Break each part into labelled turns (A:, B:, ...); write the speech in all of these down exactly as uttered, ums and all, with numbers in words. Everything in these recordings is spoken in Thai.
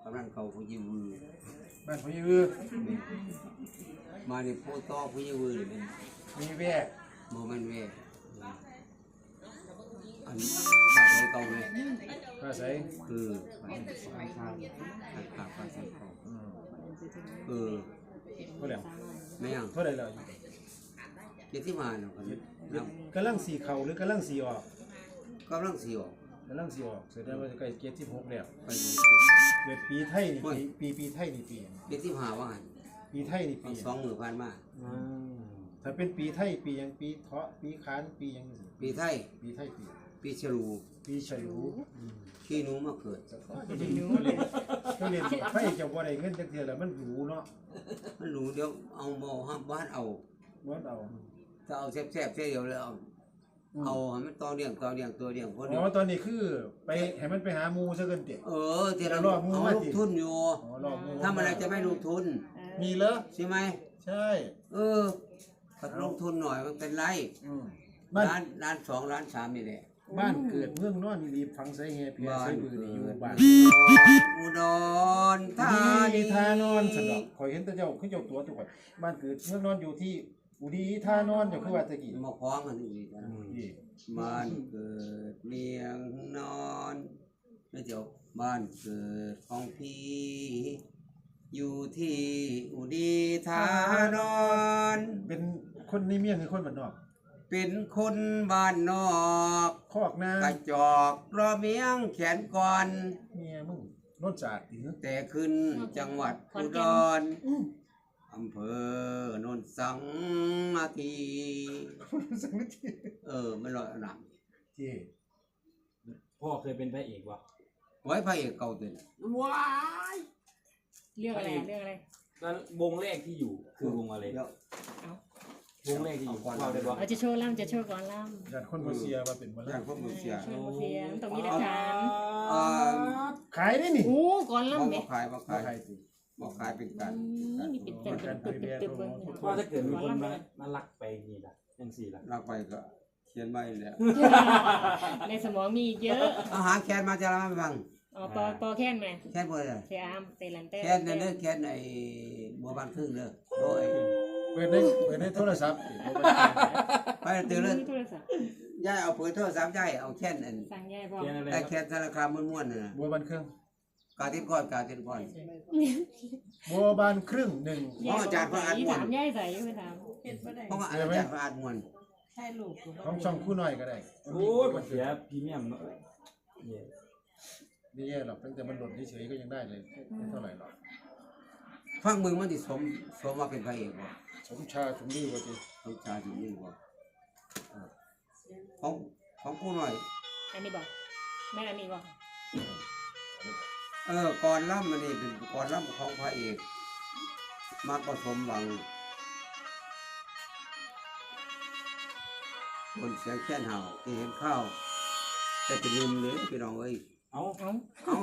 A: ำนันเก่าผู้ยิวือ
B: บ้านผู้ยือ
A: มาในโพต้อผู้ยิวือเป็น
B: มีแว่
A: โมเมนต์เวอันขาดเก่าเลย
B: ภาษา
A: คือขาดขาดขาดภาษาเก่าเออ
B: เท่าไหร่
A: ไม่ยัง
B: เท่าไหร่แล้ว
A: เจ็ดที่มาเนาะ
B: กำลังสีเข่าหรือกำลังสีออก
A: กำลังสีออก
B: กำลังสีออกแสดงว่าจะใกล้เกียรติหกแล้ว
A: ไป
B: เกิดปีไทยนี่ปีปีปีไทยนี่ปี
A: เจ็ดที่หาว่า
B: ปีไทยนี่ปี
A: สองหมื่นพันมา
B: ถ้าเป็นปีไทยปียังปีเถาะปีขานปียัง
A: ปีไทย
B: ปีไทยปี
A: ปีฉลู
B: ปีฉลู
A: ขี้หนูมาเกิด
B: ก็เรียนก็เรียนไฟจะบ่ได้เงินจักเทื่อแล้วมันหรูเนาะ
A: มันหรูเดี๋ยวเอาบ่ห้ามบ้านเอา
B: บ้านเอา
A: ถ้าเอาแซ่บๆแค่เดียวแล้วเอาเอาให้มันต่อเลี้ยงต่อเลี้ยงตัวเลี้ยงคน
B: อ๋อตอนนี้คือไปให้มันไปหาหมูซะเกินเตะ
A: เออที่เราเอาลงทุนอยู่ถ้ามันจะไม่ลงทุน
B: มีเหรอ
A: ใช่ไหม
B: ใช่
A: เออถ้าลงทุนหน่อยมันเป็นไรร้านร้านสองร้านสามนี่แหละ
B: บ้านเกิดเมืองนอนรีบฟังใส่เฮเพียใส่บือนี่อยู่บ้าน
A: อุดรธา
B: นีทานอนสนอกคอยเห็นแต่เจ้าขึ้นเจ้าตัวตัวบ้านเกิดเมืองนอนอยู่ที่อุดีทานอนอยู่คือว่าตะกี้
A: มาคล้องกันอุดีบ้านเกิดเมียงนอนแล้วเดี๋ยวบ้านเกิดของพี่อยู่ที่อุดีทานอน
B: เป็นคนในเมียงหรือคนบ้านนอก
A: เป็นคนบ้านนอก
B: คอกนาก
A: ระจอกรอเมียงแขนก่อน
B: เมียมึงรถจัด
A: แต่ขึ้นจังหวัดอุดรอำเภอโนนสังนาที
B: สังนาที
A: เออไม่ลอยหนัก
B: ที่
C: พ่อเคยเป็นพระเอกวะ
A: ไว้พระเอกเก่าตัวนี้
C: ว้าย
D: เรื่องอะไรเรื่องอะไร
C: แล้ววงแรกที่อยู่คือวงอะไรวงแรกที่อยู่เราได้บอก
D: เราจะโชว์ล่ำจะโชว์ก่อนล่
B: ำอย่างคนโมเซียว่าเป็นมา
A: แล้วคนโมเซีย
D: โชว์โมเซียต้องมีหลักฐาน
B: ขายได้นี่
D: โอ้ก่อนล่ำ
A: เนี่ยขายมาขายบอกขายเป็นการ
D: นี่เป็นการตึ๊บตึ๊บตึ๊บเลย
C: ว่าถ้าเกิดมีคนมามาลักไปนี่ล่ะยังสี่ล่ะ
A: ลักไปก็เขียนไม่แล้ว
D: ในสมองมีเยอะ
A: เอาหาแคนมาจะรับฟัง
D: อ๋อปอปอแค่นไหม
A: แคนเบอร์เลย
D: แคนเตลันเต้
A: แคนนั่นเด้อแคนไอ้บัวบานครึ่งเด้อโดย
B: เปิดได้เปิดได้โทรศัพท์
A: ไปตื่นเลยย่ายเอาเปิดโทรศัพท์ย่ายเอาแคนอัน
D: สั่งย่ายพอ
A: แต่แคนธนาคารม้วนๆน่ะ
B: บัวบานครึ่ง
A: กาติก้อนกาติก้อน
B: บัวบานครึ่งหนึ่ง
A: เพราะอาจารย์พระอาจม้วน
D: ย่ายใส่ไม่ถาม
A: เพราะว่าอาจารย์พระอาจม้วน
D: ใช่ลูก
B: ของช่องคู่หน่อยก็ได้
C: โอ้ยมันเสียพรีเมียมเนาะ
B: ไม่แย่หรอกตั้งแต่มันหล่นเฉยๆก็ยังได้เลยไม่เท่าไหร่หรอก
A: ฟังมึงมันติสมสมว่าเป็นพระเอกบ่
B: สมชาสมดื้อว่าจี
A: สมชาสมดื้อบ่ของของกูหน่อย
D: อันนี้บอกแม่อันนี้บอก
A: เออก่อนล่ำมันนี่เป็นก่อนล่ำของพระเอกมากผสมหวังคนเสียงแค่นเห่าที่เห็นข้าวแต่จะลืมเลยพี่น้องเอ้ย
C: เอา
D: เอา
A: เอา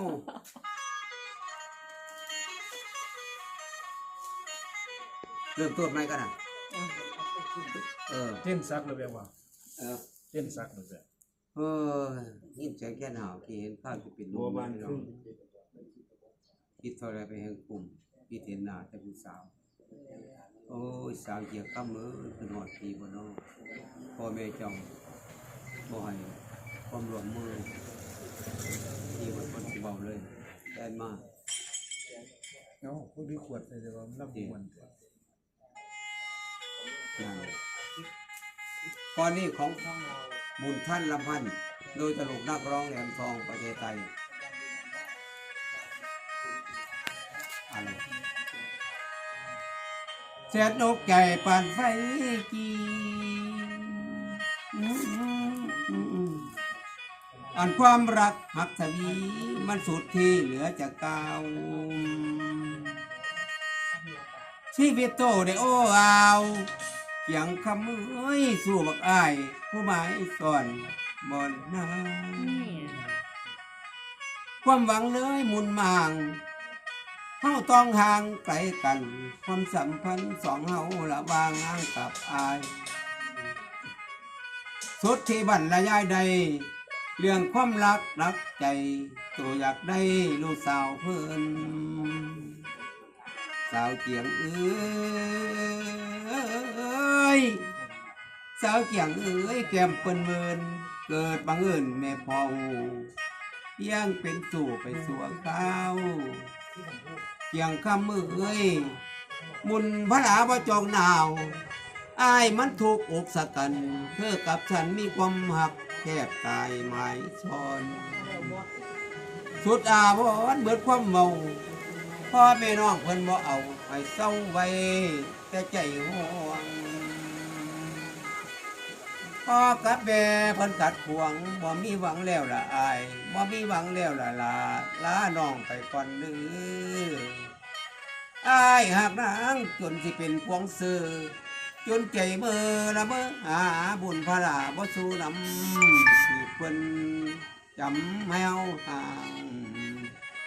A: เริ่มต้นไหมกันอ่ะ
B: เออเต้นซักเลยแบบว่า
A: เออ
B: เต้นซักเลยแบบ
A: เออยินเสียงแค่นเห่าที่เห็นข้าวจะเป็น
C: บัวบานครึ่ง
A: คิดเท่าไรไปแห่งกลุ่มพี่เห็นหน้าแต่ผู้สาวโอ้ยสาวเกี่ยวกับมือเป็นหอดปีบนน้องพ่อแม่จ้องบ่อยความรวมมือที่มันคนที่เบาเลยแดนมาก
B: เนาะพวกนี้ขวดเลยว่ามันรับมัน
A: ก่อนนี้ของบุญท่านลำพันธ์โดยตลกนักร้องแหลมทองประเทศไทยอะไรเสียดอกใหญ่ปานไฟกีอันความรักหักทวีมันสุดที่เหลือจากเก่าชีวิตโตได้โอ้เอาเกียงคำเอ้ยสู้บักอ้ายผู้หมายก่อนบ่อนนาความหวังเลยมุนมางเฮาต้องห่างไกลกันความสัมพันธ์สองเฮาละวางอ้างกับอายสุดที่บั่นละยายใดเรื่องความรักรักใจตัวอยากได้ลูกสาวเพิ่นสาวเกียงเอ้ยสาวเกียงเอ้ยแก้มเปิ้นเมินเกิดบังเอิญแม่พ่อยังเป็นสู่ไปสัวข้าวเกียงคำมือเอ้ยมุนพระลาบ่จองหนาวอายมันถูกอกสะกันเธอกับฉันมีความหักแคบกายหมายซ้อนสุดอาวรณ์เบิดความเมาพ่อแม่น้องเพิ่นบ่เอาให้เศร้าไว้แต่ใจห่วงพ่อกับแม่เพิ่นกัดขวงบ่มีหวังแล้วล่ะอายบ่มีหวังแล้วล่ะลาลาน้องไปก่อนเด้ออายหากนางจนสิเป็นพวงซื้อจนใจเมื่อละเมื่อหาบุญพระลาบ่สู้นำสิเพิ่นจำแมวทาง